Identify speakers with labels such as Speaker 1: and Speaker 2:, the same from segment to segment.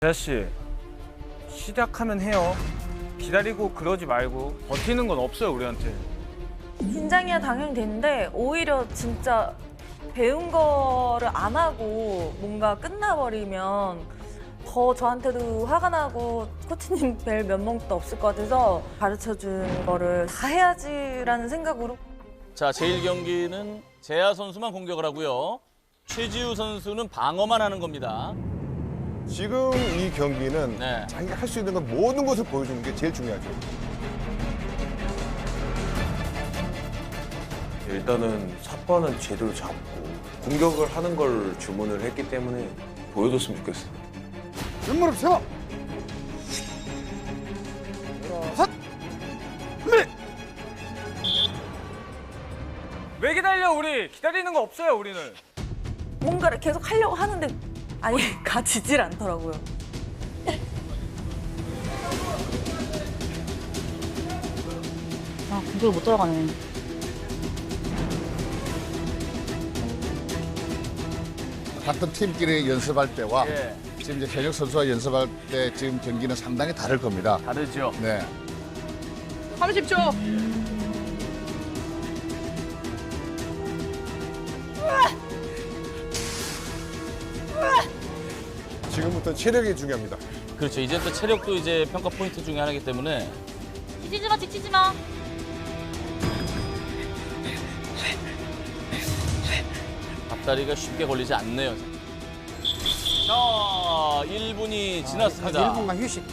Speaker 1: 아저씨, 시작하면 해요. 기다리고 그러지 말고 버티는 건 없어요, 우리한테.
Speaker 2: 긴장이야 당연히 되는데 오히려 진짜 배운 거를 안 하고 뭔가 끝나버리면 더 저한테도 화가 나고 코치님 뵐 면목도 없을 것 같아서 가르쳐준 거를 다 해야지라는 생각으로.
Speaker 3: 자, 제1경기는 재하 선수만 공격을 하고요. 최지우 선수는 방어만 하는 겁니다.
Speaker 4: 지금 이 경기는
Speaker 3: 네.
Speaker 4: 자기가 할 수 있는 건 모든 것을 보여주는 게 제일 중요하죠.
Speaker 5: 일단은 삿바는 제대로 잡고 공격을 하는 걸 주문을 했기 때문에 보여줬으면 좋겠어.
Speaker 4: 왼무릎 세워! 삿!
Speaker 1: 왜 기다려, 우리? 기다리는 거 없어요, 우리는.
Speaker 2: 뭔가를 계속 하려고 하는데 아니 가지질 않더라고요.
Speaker 6: 아, 공격을 못 들어가네.
Speaker 7: 같은 팀끼리 연습할 때와
Speaker 3: 예,
Speaker 7: 지금 이제 현역 선수와 연습할 때 지금 경기는 상당히 다를 겁니다.
Speaker 3: 다르죠.
Speaker 7: 네.
Speaker 6: 30초.
Speaker 4: 지금부터 체력이 중요합니다.
Speaker 3: 그렇죠. 이제 또 체력도 이제 평가 포인트 중에 하나이기 때문에
Speaker 6: 지치지 마, 지치지 마.
Speaker 3: 앞다리가 쉽게 걸리지 않네요. 자, 1분이 지났습니다.
Speaker 7: 1분간 휴식.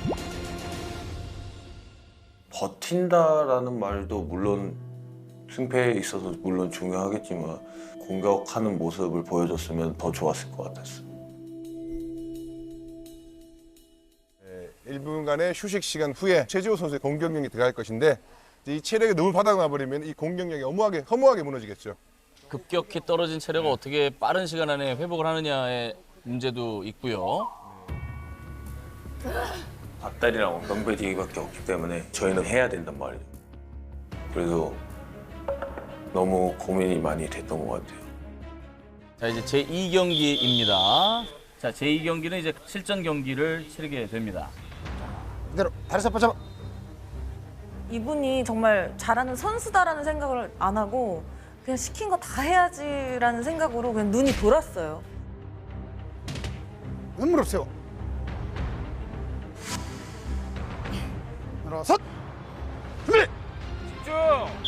Speaker 5: 버틴다라는 말도 물론 승패에 있어서 물론 중요하겠지만 공격하는 모습을 보여줬으면 더 좋았을 것 같았어.
Speaker 4: 1분간의 휴식 시간 후에 최지호 선수의 공격력이 들어갈 것인데 이 체력이 너무 바닥나 버리면 이 공격력이 허무하게 무너지겠죠.
Speaker 3: 급격히 떨어진 체력을 어떻게 빠른 시간 안에 회복을 하느냐의 문제도 있고요.
Speaker 5: 앞다리랑 엉덩배디기밖에 없기 때문에 저희는 해야 된단 말이죠. 그래서 너무 고민이 많이 됐던 것 같아요.
Speaker 3: 자, 이제 제2경기입니다. 자, 제2경기는 이제 실전 경기를 치르게 됩니다.
Speaker 7: 그대로 다리 삿바 잡아.
Speaker 2: 이분이 정말 잘하는 선수다라는 생각을 안 하고 그냥 시킨 거 다 해야지라는 생각으로 그냥 눈이 돌았어요.
Speaker 7: 왼무릎 세워.
Speaker 4: 일어섰! 준비!
Speaker 1: 집중!